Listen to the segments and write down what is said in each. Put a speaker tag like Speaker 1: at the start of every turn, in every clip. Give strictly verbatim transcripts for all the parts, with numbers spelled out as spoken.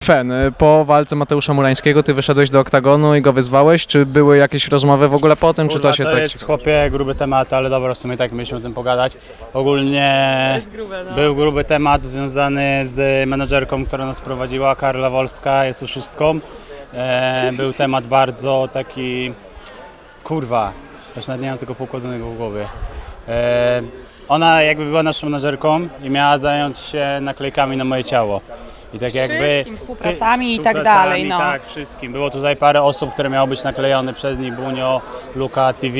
Speaker 1: Fen, po walce Mateusza Murańskiego ty wyszedłeś do oktagonu i go wyzwałeś, czy były jakieś rozmowy w ogóle po tym,
Speaker 2: Kurwa,
Speaker 1: czy to się
Speaker 2: to
Speaker 1: tak...
Speaker 2: jest, chłopie, gruby temat, ale dobra, w sumie tak mieliśmy o tym pogadać. Ogólnie grube, no. Był gruby temat związany z menadżerką, która nas prowadziła, Karla Wolska, jest oszustką. E, był temat bardzo taki, kurwa, już nawet nie mam tego poukładanego w głowie. E, ona jakby była naszą menadżerką i miała zająć się naklejkami na moje ciało. I tak jakby
Speaker 3: Wszystkim, współpracami i tak dalej, no.
Speaker 2: Tak, wszystkim. Było tutaj parę osób, które miało być naklejone przez nich, Bunio, Luka T V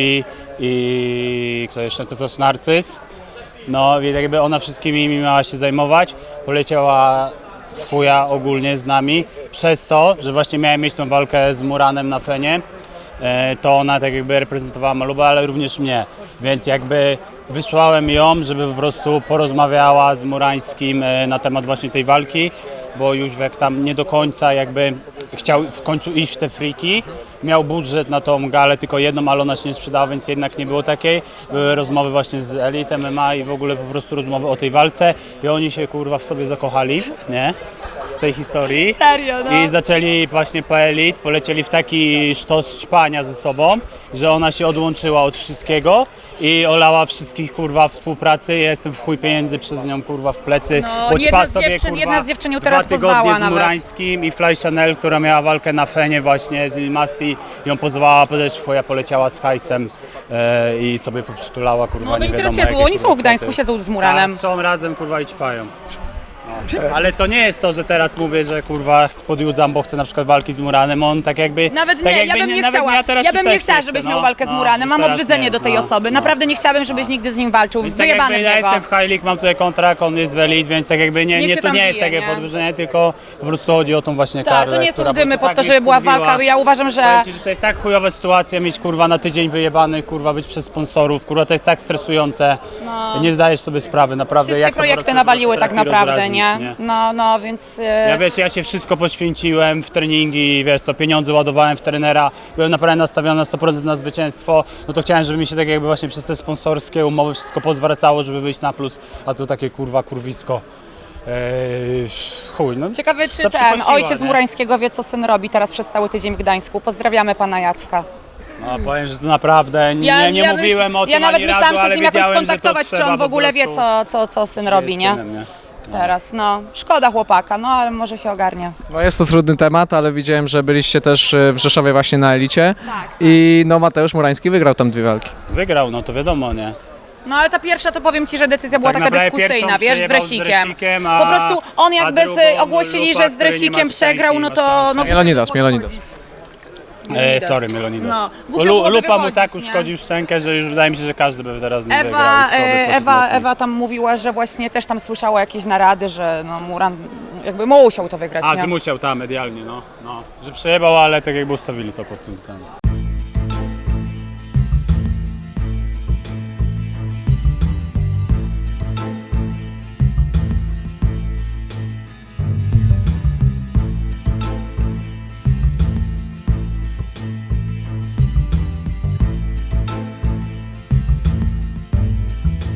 Speaker 2: i kto jeszcze, co coś Narcyz. No i jakby ona wszystkimi mi miała się zajmować, poleciała w chuja ogólnie z nami, przez to, że właśnie miałem mieć tą walkę z Muranem na Fenie, to ona tak jakby reprezentowała Malubę, ale również mnie, więc jakby wysłałem ją, żeby po prostu porozmawiała z Murańskim na temat właśnie tej walki, bo Jóźwek tam nie do końca jakby chciał w końcu iść w te friki. Miał budżet na tą galę tylko jedną, ale ona się nie sprzedała, więc jednak nie było takiej. Były rozmowy właśnie z Elite M M A i w ogóle po prostu rozmowy o tej walce i oni się kurwa w sobie zakochali, nie? Z tej historii.
Speaker 3: Serio, no.
Speaker 2: I zaczęli właśnie po Elite, polecieli w taki sztos ćpania ze sobą, że ona się odłączyła od wszystkiego i olała wszystkich kurwa współpracy. Ja jestem w chuj pieniędzy przez nią kurwa w plecy.
Speaker 3: No,
Speaker 2: bo
Speaker 3: jedna
Speaker 2: ćpa
Speaker 3: z
Speaker 2: sobie,
Speaker 3: dziewczyn-
Speaker 2: kurwa,
Speaker 3: jedna z dziewczyn ją teraz
Speaker 2: dwa tygodnie
Speaker 3: pozwała
Speaker 2: z
Speaker 3: nawet.
Speaker 2: Murańskim i Fly Chanel, która miała walkę na Fenie właśnie z Lil Masti, ją pozwała, też ja poleciała z hajsem e, i sobie poprzytulała kurwa,
Speaker 3: No, no
Speaker 2: nie
Speaker 3: i teraz
Speaker 2: wiadomo
Speaker 3: siedzą,
Speaker 2: jakie,
Speaker 3: oni są
Speaker 2: kurwa,
Speaker 3: w Gdańsku,
Speaker 2: kwoty.
Speaker 3: siedzą z Muranem.
Speaker 2: Tak, są razem kurwa i ćpają. No. Ale to nie jest to, że teraz mówię, że kurwa podjudzam, bo chcę na przykład walki z Muranem, on tak jakby...
Speaker 3: Nawet
Speaker 2: tak
Speaker 3: nie,
Speaker 2: jakby
Speaker 3: ja bym nie
Speaker 2: nawet
Speaker 3: chciała,
Speaker 2: ja, teraz
Speaker 3: ja bym nie
Speaker 2: też
Speaker 3: chciała,
Speaker 2: chcę,
Speaker 3: żebyś
Speaker 2: no,
Speaker 3: miał walkę z
Speaker 2: no,
Speaker 3: Muranem, mam
Speaker 2: teraz
Speaker 3: obrzydzenie
Speaker 2: nie,
Speaker 3: do tej
Speaker 2: no,
Speaker 3: osoby,
Speaker 2: no.
Speaker 3: naprawdę nie chciałabym, żebyś nigdy z nim walczył,
Speaker 2: Więc tak
Speaker 3: wyjebany
Speaker 2: jakby
Speaker 3: w
Speaker 2: ja
Speaker 3: niego.
Speaker 2: jestem w High League, mam tutaj kontrakt, on jest w Elite, więc tak jakby nie,
Speaker 3: Niech
Speaker 2: nie
Speaker 3: się
Speaker 2: to
Speaker 3: tam
Speaker 2: nie jest
Speaker 3: bije,
Speaker 2: takie
Speaker 3: nie?
Speaker 2: podwyższenie, tylko po prostu chodzi o tą właśnie
Speaker 3: Tak,
Speaker 2: Karlę,
Speaker 3: to nie są
Speaker 2: która
Speaker 3: dymy
Speaker 2: po
Speaker 3: pod
Speaker 2: prostu
Speaker 3: to,
Speaker 2: tak
Speaker 3: żeby była
Speaker 2: mnie wkurwiła.
Speaker 3: walka, ja uważam, że...
Speaker 2: Powiem ci, że to jest tak chujowa sytuacja mieć kurwa na tydzień wyjebany, kurwa być przez sponsorów, kurwa to jest tak stresujące,
Speaker 3: No.
Speaker 2: nie zdajesz sobie sprawy naprawdę
Speaker 3: Wszystkie
Speaker 2: jak to po
Speaker 3: projekty
Speaker 2: prostu
Speaker 3: nawaliły tak
Speaker 2: potrafi
Speaker 3: naprawdę,
Speaker 2: rozrazić,
Speaker 3: nie? No, no, więc... e,
Speaker 2: Ja wiesz, ja się wszystko poświęciłem w treningi, wiesz co, pieniądze ładowałem w trenera, byłem naprawdę nastawiony na sto procent na zwycięstwo, no to chciałem, żeby mi się tak jakby właśnie przez te sponsorskie umowy wszystko pozwracało, żeby wyjść na plus, a to takie kurwa kurwisko. Eee, chuj, no.
Speaker 3: Ciekawe, czy
Speaker 2: to
Speaker 3: ten
Speaker 2: przykosiła,
Speaker 3: ojciec
Speaker 2: nie?
Speaker 3: Murańskiego wie, co syn robi teraz przez cały tydzień w Gdańsku. Pozdrawiamy pana Jacka.
Speaker 2: No powiem, że to naprawdę, nie, nie, nie
Speaker 3: ja
Speaker 2: mówiłem
Speaker 3: myśl,
Speaker 2: o tym
Speaker 3: Ja nawet
Speaker 2: ani
Speaker 3: myślałam
Speaker 2: razu,
Speaker 3: się
Speaker 2: ale
Speaker 3: z nim jakoś
Speaker 2: wiedziałem, że to
Speaker 3: skontaktować, czy
Speaker 2: trzeba
Speaker 3: on w
Speaker 2: po
Speaker 3: ogóle wie,
Speaker 2: prostu-
Speaker 3: co, co, co syn robi, nie?
Speaker 2: synem, nie?
Speaker 3: Teraz, no. Szkoda chłopaka, no ale może się ogarnie.
Speaker 1: No jest to trudny temat, ale widziałem, że byliście też e, w Rzeszowie właśnie na Elicie
Speaker 3: Tak.
Speaker 1: i no Mateusz Murański wygrał tam dwie walki.
Speaker 2: Wygrał, no to wiadomo, nie?
Speaker 3: No ale ta pierwsza, to powiem ci, że decyzja była
Speaker 2: Tak
Speaker 3: taka
Speaker 2: naprawdę
Speaker 3: dyskusyjna,
Speaker 2: pierwszą
Speaker 3: wiesz, z
Speaker 2: przejebał z
Speaker 3: Dresikiem.
Speaker 2: Dresikiem, a-
Speaker 3: Po prostu on
Speaker 2: a
Speaker 3: jakby
Speaker 2: drugą
Speaker 3: z, ogłosili,
Speaker 2: Lupa,
Speaker 3: że z
Speaker 2: który nie ma
Speaker 3: Dresikiem
Speaker 2: szczęki,
Speaker 3: przegrał, no
Speaker 2: ma
Speaker 3: to...
Speaker 2: szczęki.
Speaker 3: No,
Speaker 1: Mielonidas, Mielonidas.
Speaker 2: E, sorry, Melonidas.
Speaker 3: No,
Speaker 2: Bo
Speaker 3: głupio
Speaker 2: Lu,
Speaker 3: byłoby
Speaker 2: Lupa mu
Speaker 3: wychodzić,
Speaker 2: tak
Speaker 3: nie?
Speaker 2: uszkodził szczękę, że już wydaje mi się, że każdy by teraz nie wygrał.
Speaker 3: Ewa,
Speaker 2: i kto by
Speaker 3: e,
Speaker 2: poszedł
Speaker 3: Ewa,
Speaker 2: mocniej.
Speaker 3: Ewa tam mówiła, że właśnie też tam słyszała jakieś narady, że no Muran jakby musiał to wygrać,
Speaker 2: A,
Speaker 3: nie?
Speaker 2: że musiał, tam medialnie, no, no. Że przejebał, ale tak jakby ustawili to pod tym. Tam.